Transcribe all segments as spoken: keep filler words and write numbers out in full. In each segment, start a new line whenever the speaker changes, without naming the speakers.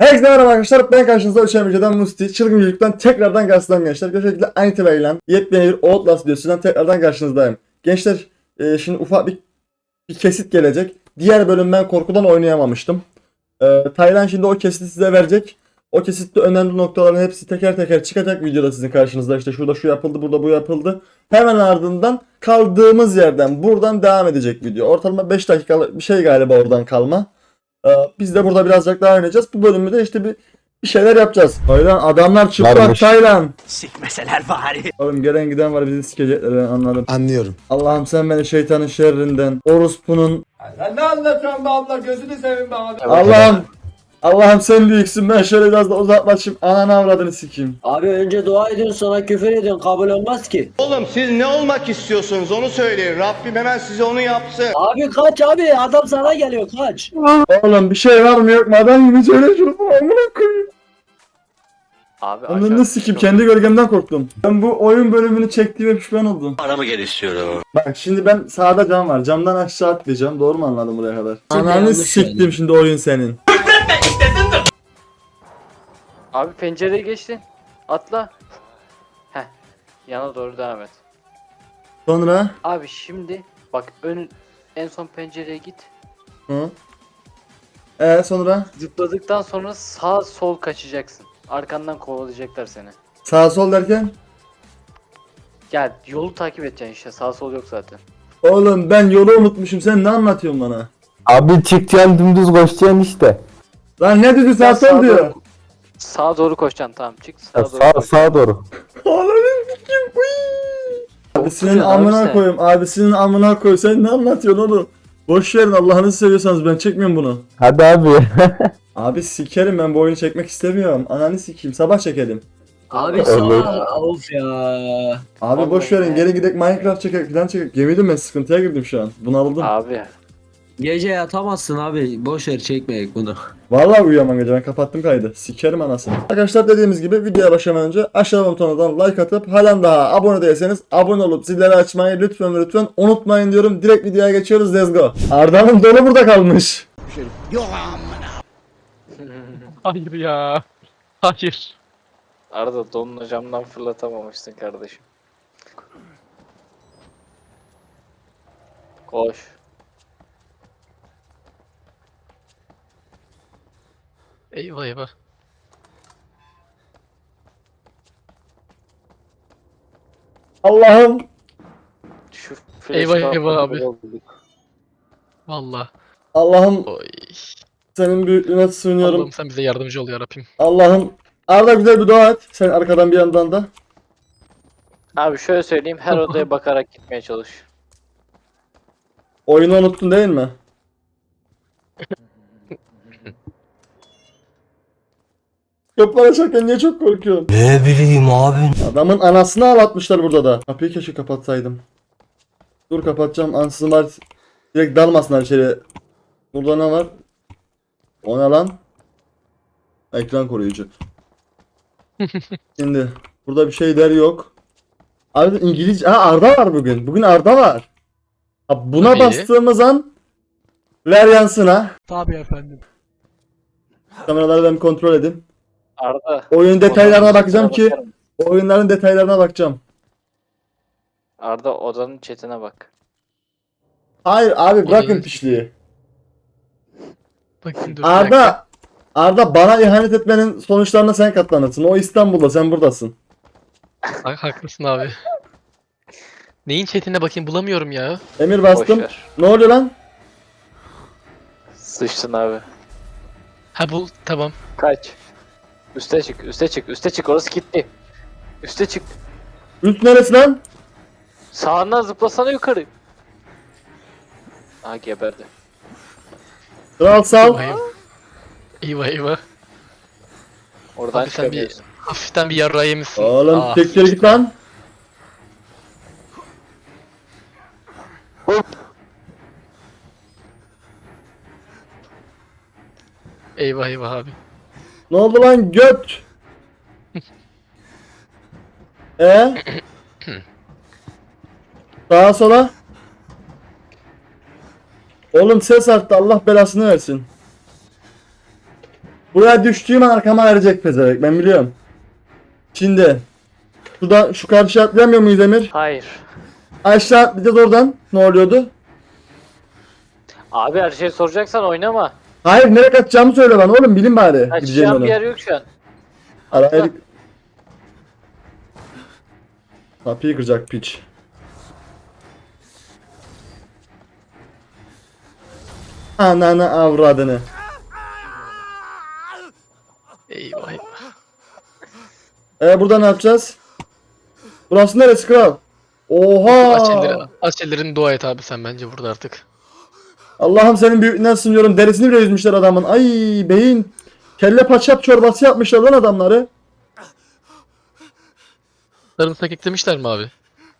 Herkese merhaba arkadaşlar, ben karşınızda Üçen Müjde'den Musti, Çılgın Yüzük'ten tekrardan karşınızdayım gençler. Gerçekten aynı itibariyle yepyeni bir Outlast videosundan tekrardan karşınızdayım. Gençler, e, şimdi ufak bir, bir kesit gelecek. Diğer bölüm ben korkudan oynayamamıştım. E, Taylan şimdi o kesiti size verecek. O kesitte önemli noktaların hepsi teker teker çıkacak videoda sizin karşınızda. İşte şurada şu yapıldı, burada bu yapıldı. Hemen ardından kaldığımız yerden buradan devam edecek video. Ortalama beş dakikalık bir şey galiba oradan kalma. Ee, Biz de burada birazcık daha oynayacağız. Bu bölümde de işte bir, bir şeyler yapacağız. Taylan adamlar çıplak
Varmış.
Taylan.
Sikmeseler bari.
Oğlum gelen giden var, bizi sikecekler, ben anladım.
Anlıyorum.
Allah'ım sen beni şeytanın şerrinden, orospunun.
Sen ne anlatıyorsun be abla, gözünü seveyim be abi.
Allah'ım. Allah'ım sen büyüksün, ben şöyle biraz da uzaklaşayım, ananı avradını sikeyim.
Abi önce dua ediyorsun sonra küfür ediyorsun, kabul olmaz ki.
Oğlum siz ne olmak istiyorsunuz onu söyleyin. Rabbim hemen size onu yapsın.
Abi kaç abi, adam sana geliyor, kaç.
Oğlum bir şey var mı yok mu, adam gibi söyle şunu, amına koyayım.
Abi
Ananı sikeyim, kendi gölgemden korktum. Ben bu oyun bölümünü çektiğime pişman oldum.
Paramı geri istiyorum.
Bak şimdi ben sağda cam var. Camdan aşağı atlayacağım. Doğru mu anladım buraya kadar? Ananı
yanlış
siktim
yani.
şimdi oyun senin.
Abi pencereye geçtin. Atla. Heh. Yana doğru devam et.
Sonra
Abi şimdi bak ön en son pencereye git.
hı. Ee sonra
Zıpladıktan sonra sağ sol kaçacaksın. Arkandan kovalayacaklar seni.
sağ sol derken?
Gel yolu takip edeceksin işte. Sağ sol yok zaten.
Oğlum ben yolu unutmuşum. Sen ne anlatıyorsun bana?
Abi çıkacaksın dümdüz koşacaksın işte.
Lan ne dedi, sağ
Ya
sol
sağa
diyor.
doğru- Sağa doğru koşacaksın, tamam çık sağa
Ya
doğru.
sağ,
koş.
sağa doğru.
Ananı sikeyim. Abisinin
Korkuyor abi
amına
sen.
koyayım. Abisinin amına koy. Sen ne anlatıyorsun oğlum? Boş verin, Allah'ınızı seviyorsanız, ben çekmiyorum bunu.
Hadi abi.
Abi sikerim, ben bu oyunu çekmek istemiyorum. Ananı sikeyim, sabah çekelim.
Abi
Evet.
sağ, of ya.
Abi
Vallahi
boş verin,
ya.
gelin gidelim Minecraft çekek falan çekek. Yemin ben sıkıntıya girdim şu an. Bunaldım.
Abi.
Gece yatamazsın abi, boş ver çekmeyek bunu.
Vallahi uyuyamam gece, ben kapattım kaydı. Sikerim anasını. Arkadaşlar dediğimiz gibi videoya başlamadan önce aşağıdan butonundan like atıp halen daha abone değilseniz abone olup zilleri açmayı lütfen lütfen unutmayın diyorum. Direkt videoya geçiyoruz, let's go. Arda'nın dolu burada kalmış.
Hayır ya. Hayır.
Arada donunu camdan fırlatamamışsın kardeşim. Koş.
Eyvah eyvah.
Allah'ım.
Şu
Eyvah,
flash
eyvah
kalkmadı,
abi.
olduk.
Valla.
Allah'ım
Oy.
senin büyüklüğüne sığınıyorum.
Allah'ım sen bize yardımcı ol yarabbim.
Allah'ım. Arda güzel bir dua et. Sen arkadan bir yandan da.
Abi şöyle söyleyeyim, her odaya bakarak gitmeye çalış.
Oyunu unuttun değil mi? Kapılar açarken niye çok korkuyorsun?
Ne bileyim abi.
Adamın anasını ağlatmışlar burada da. Kapıyı keşke kapatsaydım. Dur kapatacağım. Ansızın var. Direkt dalmasınlar içeri. Burada ne var? O ne lan? Ekran koruyucu. Şimdi burada bir şeyler yok. Abi İngilizce. Ha, Arda var bugün. Bugün Arda var. Ha, buna
Tabii.
bastığımız an ver yansına.
Tabii efendim.
Kameraları ben kontrol edeyim.
Arda.
Oyun detaylarına
odanın
bakacağım
chatine
ki
bakarım.
oyunların detaylarına bakacağım.
Arda odanın chatine bak.
Hayır abi, bırakın
Odanın-
pişliği.
Bakayım dur. bir dakika.
Arda, Arda bana ihanet etmenin sonuçlarına sen katlanırsın. O İstanbul'da, sen buradasın.
Ha- haklısın abi. Neyin chatine bakayım, bulamıyorum ya.
Emir
Boş
bastım.
ver.
Ne oluyor lan?
Sıçtın abi.
Ha bul, tamam.
Kaç. Üste çık, üste çık, üste çık, orası kilitli. Üste çık.
Üst neresi lan?
Sağından zıplasana yukarı. Aa geberdi.
Kral sal.
Eyvah eyvah. Eyvah eyvah.
Oradan
Abi sen bir
çıkamıyorsun.
hafiften bir yarrağı yemişsin.
Oğlum
Ah,
tek geri git lan.
Eyvah eyvah abi.
Ne oldu lan göt? E? Sağa sola. Oğlum ses arttı, Allah belasını versin. Buraya düştüğüm an arkama verecek pezevenk, ben biliyorum. Şimdi şurada şu karşıya atlayamıyor muyuz Emir?
Hayır.
Aşağı atlayacağız oradan. Ne oluyordu?
Abi her şeyi soracaksan oynama.
Hayır, nereye kaçacağımı söyle bana oğlum, bilin bari. Gideceğim
Kaçacağım
ona.
bir yer yok şu an.
Araya... Kapıyı kıracak piç. Ananı avradını.
Eyvah eyvah.
Ee burada ne yapacağız? Burası neresi kral? Oha!
Aç elleri, aç ellerini dua et abi sen bence burada artık.
Allah'ım senin büyüklüğünden sınıyorum. Derisini bile yüzmüşler adamın. Ay beyin. Kelle paçap çorbası yapmışlar lan adamları.
Sarımsak eklemişler mi abi?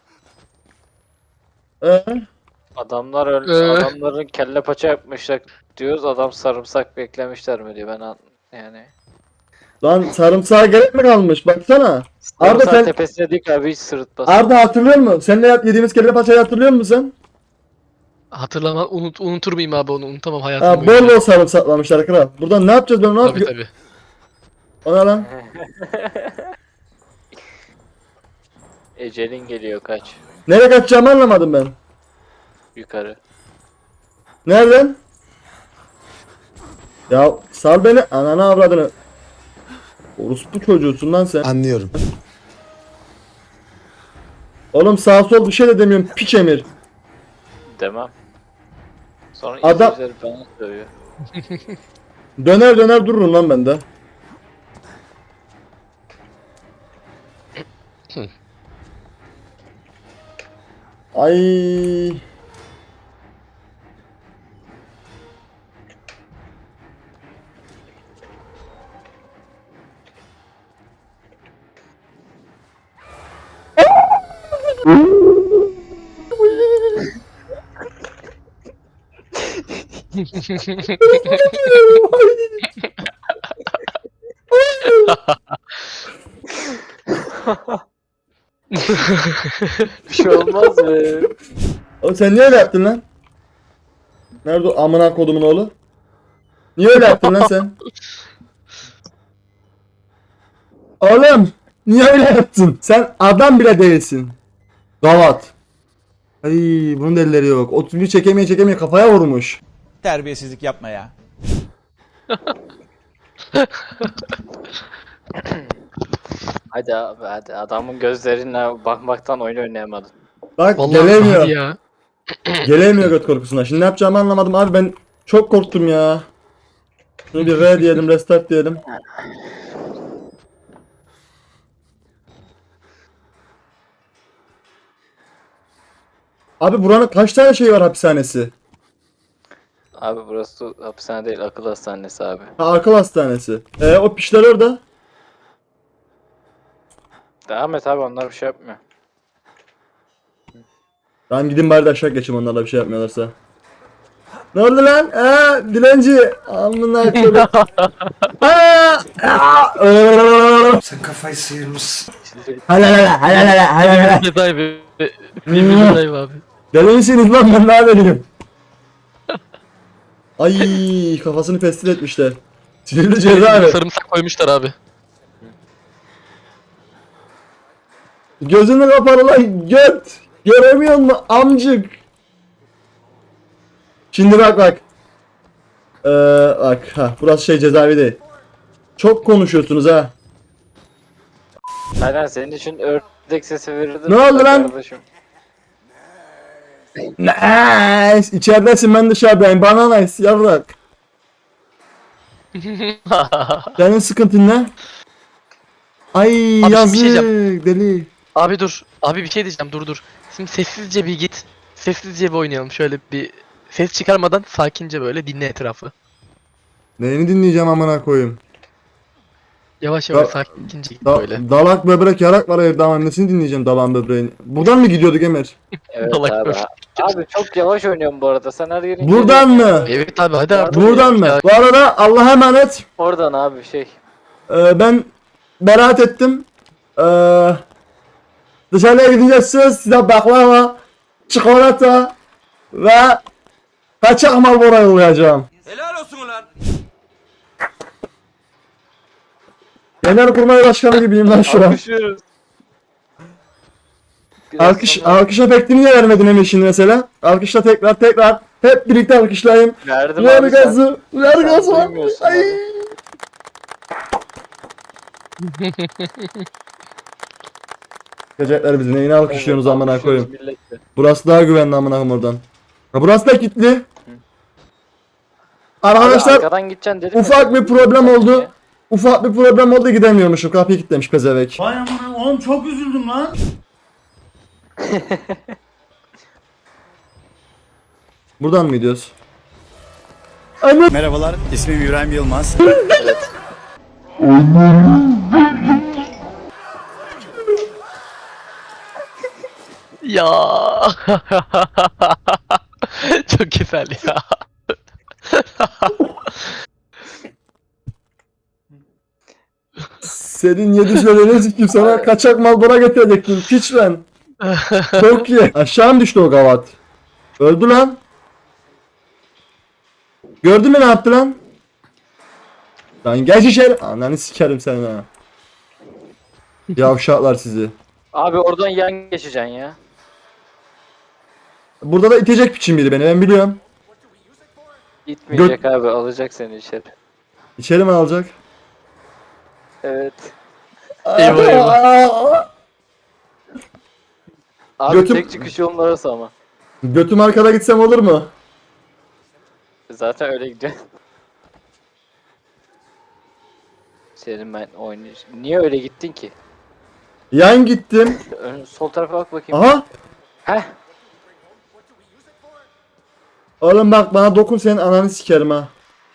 Ee,
Adamlar öl
Ee?
adamların kelle paça yapmışlar diyoruz. Adam sarımsak beklemişler mi diyor. Ben an yani.
lan sarımsağa gerek mi kalmış? Baksana. Arda
Sarımsak
sen...
tepesine dik abi hiç sırıtmasın.
Arda hatırlıyor musun? Seninle yediğimiz kelle paçayı hatırlıyor musun sen?
Hatırlama, unut, unutur muyum abi onu? Unutamam hayatım
Ha, bol
boyunca.
bol sarımsaklamışlar kral. Buradan ne yapacağız ben ne
Tabii
yapayım?
tabii.
O ne lan?
Ecelin geliyor kaç.
Nereye kaçacağımı anlamadım ben.
Yukarı.
Nereden? Ya sal beni, ananı avradını. Orospu çocuğusun lan sen.
Anlıyorum.
Oğlum sağ sol bir şey de demiyorum, piç Emir.
Demem. Sonra
Adam-
izleyiciler bana söylüyor.
Döner döner dururum lan ben de. Ay.
Bir şey olmaz mı?
Oğlum sen niye öyle yaptın lan? Nerede o amına kodumun oğlu? Niye öyle yaptın lan sen? Oğlum niye öyle yaptın? Sen adam bile değilsin. Gavat. Ay bunun da elleri yok. otuz bir çekemeye çekemeye kafaya vurmuş.
Terbiyesizlik yapma ya.
Hadi abi hadi. Adamın gözlerine bakmaktan oyun oynayamadın.
Bak
Vallahi
gelemiyor.
hadi ya.
Gelemiyor göt korkusundan. Şimdi ne yapacağımı anlamadım abi, ben çok korktum ya. Şunu bir R diyelim, restart diyelim. Abi buranın kaç tane şey var hapishanesi?
Abi burası hapishane değil akıl hastanesi abi.
Ha, akıl hastanesi. E o pişler orada.
Devam et abi onlar bir şey yapmıyor.
Tamam gidin bari de aşağı geçeyim, onlarla bir şey yapmıyorlarsa. Ne oldu lan? Aa, dilenci. Amına koyayım. Aa! Aa!
Sen kafayı sıyırmışsın.
Halalala, halalala, halalala.
Cezayı bir cezayı abi.
Deli misiniz lan, ben daha deliyim. Ay kafasını pestil etmişler. Sinirli cezaevi.
Sarımsak koymuşlar abi.
Gözünü kapalı lan göt. Göremiyor musun amcık? Şimdi bak bak. Ee, bak ha burası şey cezaevi değil. Çok konuşuyorsunuz ha.
Aynen senin için ördek sesi verirdim.
Ne oldu lan?
Kardeşim.
Nice. İçeridesin, ben dışarıdayım. Bana nice yavrak. Senin sıkıntın ne? Ay
Abi şimdi
yazık
bir şey diyeceğim.
deli.
Abi dur. Abi bir şey diyeceğim dur dur. Şimdi sessizce bir git. Sessizce bir oynayalım. Şöyle bir ses çıkarmadan sakince böyle dinle etrafı.
Neyini dinleyeceğim amına koyayım?
Yavaş yavaş
Da-
sakince git
Da-
böyle.
dalak böbrek yarak var evde ama nesini dinleyeceğim dalağın böbreğini. Buradan mı gidiyorduk Emir?
Evet
Salak
abi.
böyle.
Abi çok yavaş oynuyorum bu arada. Sen her yerin
Buradan mı?
Evet abi hadi artık.
Buradan mı?
Ya,
Bu arada Allah'a emanet.
Oradan abi şey.
Ee, ben beraat ettim. Ee, dışarıya gidince söz size baklava, çikolata ve kaçak Marlboro yollayacağım.
Helal olsun ulan.
Genelkurmay Başkanı gibiyim lan şu an.
Alkışlıyoruz. Biraz
Alkış,
sonra-
alkış efektini niye vermedin Emre şimdi mesela? Alkışla tekrar tekrar. Hep birlikte alkışlayayım.
Verdim
Ver
abi sen.
gazı. Ver
sen
gazı.
duymuyorsun
Ay.
abi.
Çocuklar bizi neyine alkışlıyorsunuz
Evet,
amına
alkışlıyoruz
koyayım.
milletle.
Burası daha güvenli amına koyayım oradan. Ha burası da kilitli.
Abi
Arkadaşlar
arkadan gideceksin dedim ya.
ufak bir problem oldu. Ufak bir problem oldu gidemiyormuşum. Kapıyı kilitlemiş pezevek.
Vay amına oğlum çok üzüldüm lan.
Buradan mı gidiyoruz?
Merhabalar, ismim İbrahim Yılmaz.
Ya. Çok güzel ya.
Senin yedi söylediğin sikim sana kaçak Marlboro getirecektim. Piç ben. Çok iyi. Aşağı mı düştü o gavat? Öldü lan. Gördün mü ne yaptı lan? Lan geç içeri. Ananı sikerim seni ha. Yavşaklar sizi.
Abi oradan yan geçeceksin ya.
Burada da itecek piçim biri beni ben biliyorum.
Gitmeyecek abi, alacak seni içeri.
İçeri mi alacak?
Evet.
Eyvah, eyvah.
Abi
Götüm-
tek çıkış yolun orası ama.
Götüm arkada gitsem olur mu?
Zaten öyle gidiyor. Senin ben oynayacağım. Niye öyle gittin ki?
Yan gittim.
Ön, sol tarafa bak bakayım.
Aha.
Heh.
Oğlum bak bana dokun senin ananı sikerim ha.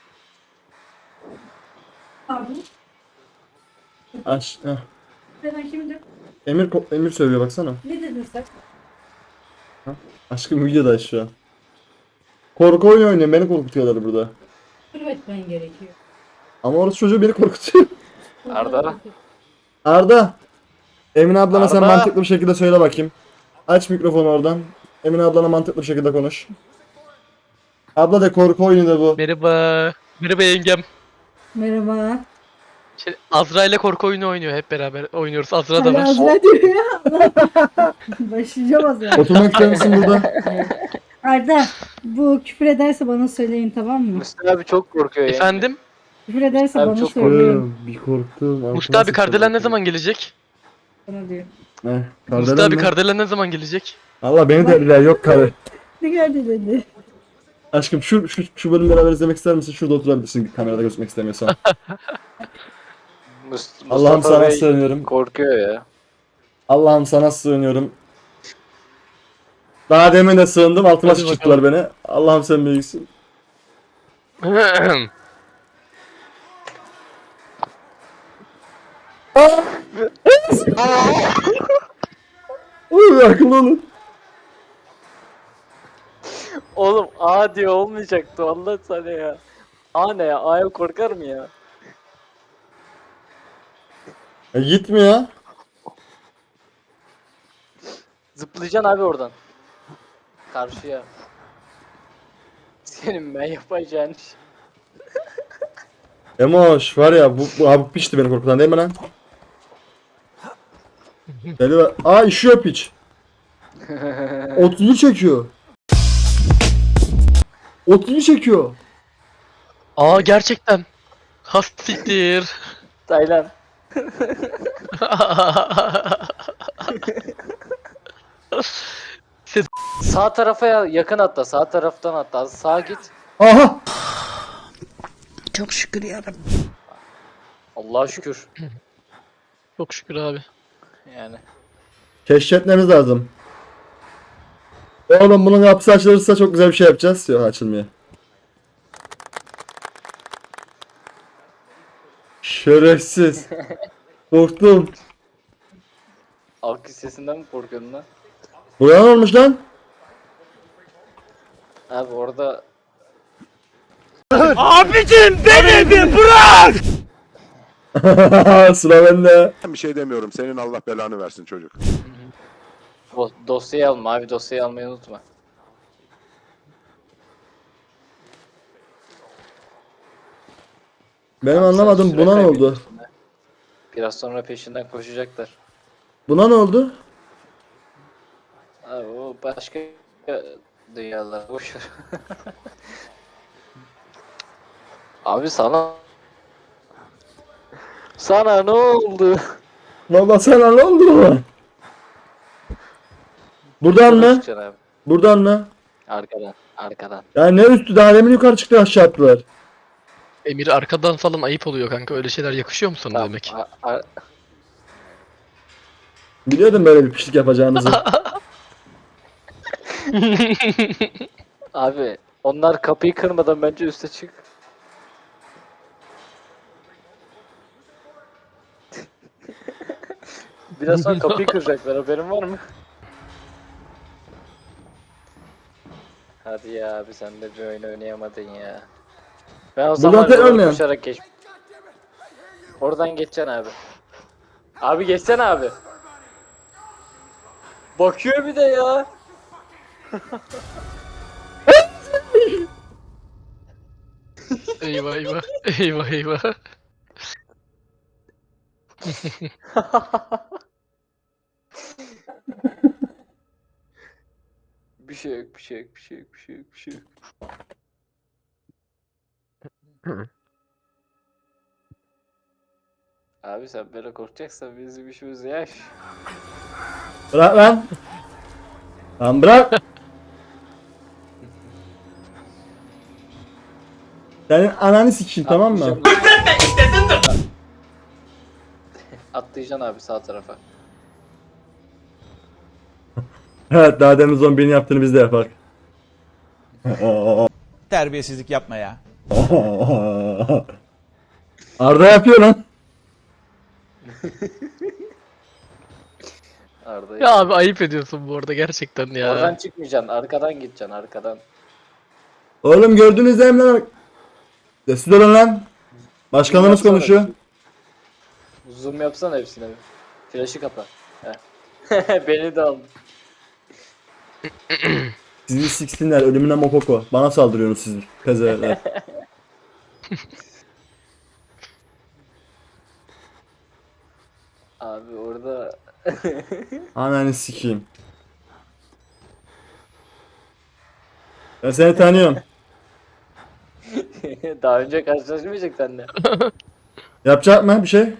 Abi,
Aç. Heh.
sen kimdi?
Emir ko- Emir söylüyor baksana.
Ne dedin sen?
Aşkım videoda şu an. Korku oyunu oynuyorum beni korkutuyorlar burada.
Kulüp etmen gerekiyor.
Ama orası çocuğu beni korkutuyor.
Arda.
Arda. Emine ablana sen
Arda.
mantıklı bir şekilde söyle bakayım. Aç mikrofonu oradan. Emine ablana mantıklı bir şekilde konuş. Abla de korku oyunu da bu.
Merhaba. Merhaba yengem.
Merhaba.
Şey, Azra ile korku oyunu oynuyor, hep beraber oynuyoruz. Azra da
Hala
var.
Azra diyor ya. Başlayacağım az ya.
Oturmak ister misin burada?
Arda, bu küfür ederse bana söyleyin, tamam mı?
Mustafa abi çok korkuyor ya.
Efendim?
Küfür ederse
Abi
bana
çok
söyleyin.
bir korktum.
Mustafa abi Kardelen ne zaman gelecek?
Bana diyor.
Ne?
Mustafa
Kardelen
abi
mi?
Kardelen ne zaman gelecek?
Allah beni dediler yok karı.
Ne geldi dedi.
Aşkım şu, şu, şu bölümü beraber izlemek ister misin? Şurada oturabilirsin kamerada gözükmek istemiyorsan.
Mus-
Allah'ım
Mustafa
sana
Bey
sığınıyorum.
korkuyor ya.
Allah'ım sana sığınıyorum. Daha demin de sığındım altıma
Hadi
sıçtılar beni. Allah'ım sen büyüksün. Uy akıllı olun.
Oğlum A diye olmayacaktı Allah sana ya. A ne ya? A'ya korkar mı ya?
E, gitmiyor.
Zıplayacaksın abi oradan. Karşıya. Senin ben yapacağın iş.
Emoş var ya bu, bu abi piçti beni korkutan değil mi lan? Deli var. Aa işiyor piç. otuzu çekiyor. otuzu çekiyor.
Aa gerçekten. Hastiktir.
Taylan.
Ses-
Sağ tarafa ya- yakın atla. Sağ taraftan atla. Az sağa git.
Aha.
Çok şükür yarabbim.
Allah'a şükür.
Çok şükür abi.
Yani.
Keşfetmemiz lazım. Oğlum bunun kapısı açılırsa çok güzel bir şey yapacağız. Yok açılmıyor. Şerefsiz. Korktum.
Alkış sesinden mi korkuyordun lan?
Buraya ne olmuş lan?
Abi orada
Sıra bende.
Bir şey demiyorum. Senin Allah belanı versin çocuk.
do- dosyayı alma abi, dosyayı almayı unutma.
Benim
Abi sen
anlamadım
süre
buna ne oldu?
kaybediyorsun ha. Biraz sonra peşinden koşacaklar.
Buna ne oldu?
Abi o başka dünyalar boşver. Abi sana sana ne oldu?
Valla sana ne oldu? Buradan mı?
Çıkacaksın abi.
Buradan mı?
Arkadan, arkadan.
Ya ne üstü, daha demin yukarı çıktı, aşağı attılar.
Emir arkadan falan ayıp oluyor kanka. Öyle şeyler yakışıyor mu sana
Tamam,
demek?
a- a-
Biliyordum böyle bir pişlik yapacağınızı.
Abi onlar kapıyı kırmadan bence üste çık. Biraz sonra kapıyı kıracaklar, haberin var mı? Hadi ya abi, sen de bir oyun oynayamadın ya. Ben o zaman
tekrar
oradan
oynayalım.
koşarak geç. Oradan geçeceksin abi. Abi geçsene abi. Bakıyor bir de ya.
Eyvah eyvah. Eyvah eyvah.
Bir şey yok, bir şey yok, bir şey yok, bir şey yok, bir şey yok. Abi sen böyle korkacaksan bizim işimiz yaş.
Bırak lan. Lan bırak. Senin ananı sikeyim, tamam mı?
Atlayacaksın. Atlayacaksın abi sağ tarafa.
Evet, daha demin zombinin yaptığını biz de yapak.
Terbiyesizlik yapma ya.
Arda yapıyor lan.
Arda.
Ya abi ayıp ediyorsun bu arada gerçekten ya.
Oradan çıkmayacaksın, arkadan gideceksin, arkadan.
Oğlum gördünüz değil mi lan? Sessiz olun lan. Başkanımız
Yapsana.
konuşuyor.
Zoom yapsana hepsine. Flash'ı kapa. Heh. Beni de al.
Sizi siksinler, ölümüne mokoko. Bana saldırıyorsunuz siz pezeveler.
Abi orada
Ananı sikeyim. Ben seni tanıyorum.
daha önce karşılaşmayacak seninle.
Yapacak mı bir şey?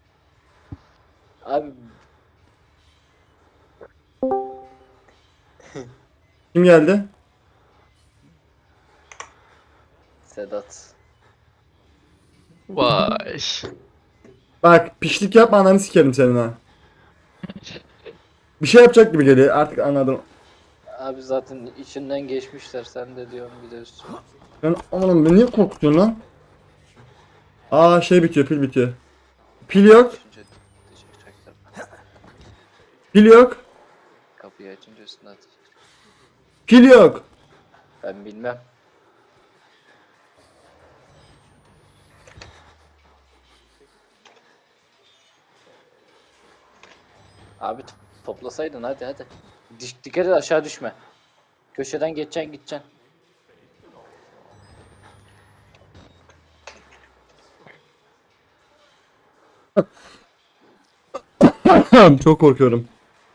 Abi
Kim geldi?
Sedat.
Vay.
Bak pişlik yapma, ananı sikerim senin ha. Bir şey yapacak gibi geliyor, artık anladım.
Abi zaten içinden geçmişler, sen de diyorsun bir de üstüne.
Ben oğlum, beni niye korkutuyorsun lan? Aa şey bitiyor, pil bitiyor. Pil yok.
Açınca çıkacaklar.
Pil yok.
Kapıyı açınca üstüne atacak.
Pil yok.
Ben bilmem. Abi t- toplasaydın, hadi hadi. Diş, dikkat et aşağı düşme. Köşeden geçeceksin gideceksin.
Çok korkuyorum.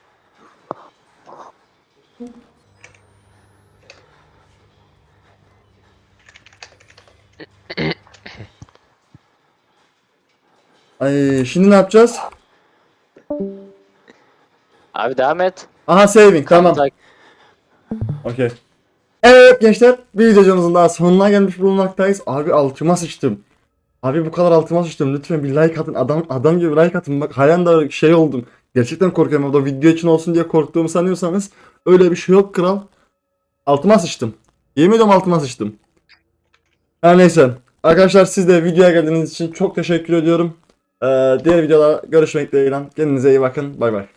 Ay şimdi ne yapacağız?
Abi devam et.
Aha saving, tamam.
Tak-
Okey. Evet gençler, bir videomuzun daha sonuna gelmiş bulunmaktayız. Abi altıma sıçtım. Abi bu kadar altıma sıçtım. Lütfen bir like atın. Adam adam gibi like atın. Bak halen daha şey oldum. Gerçekten korkuyorum. O da video için olsun diye korktuğumu sanıyorsanız öyle bir şey yok kral. Altıma sıçtım. Yemin ediyorum altıma sıçtım. Her neyse. Arkadaşlar siz de videoya geldiğiniz için çok teşekkür ediyorum. Ee, diğer videoda görüşmek dileğiyle. Kendinize iyi bakın. Bay bay.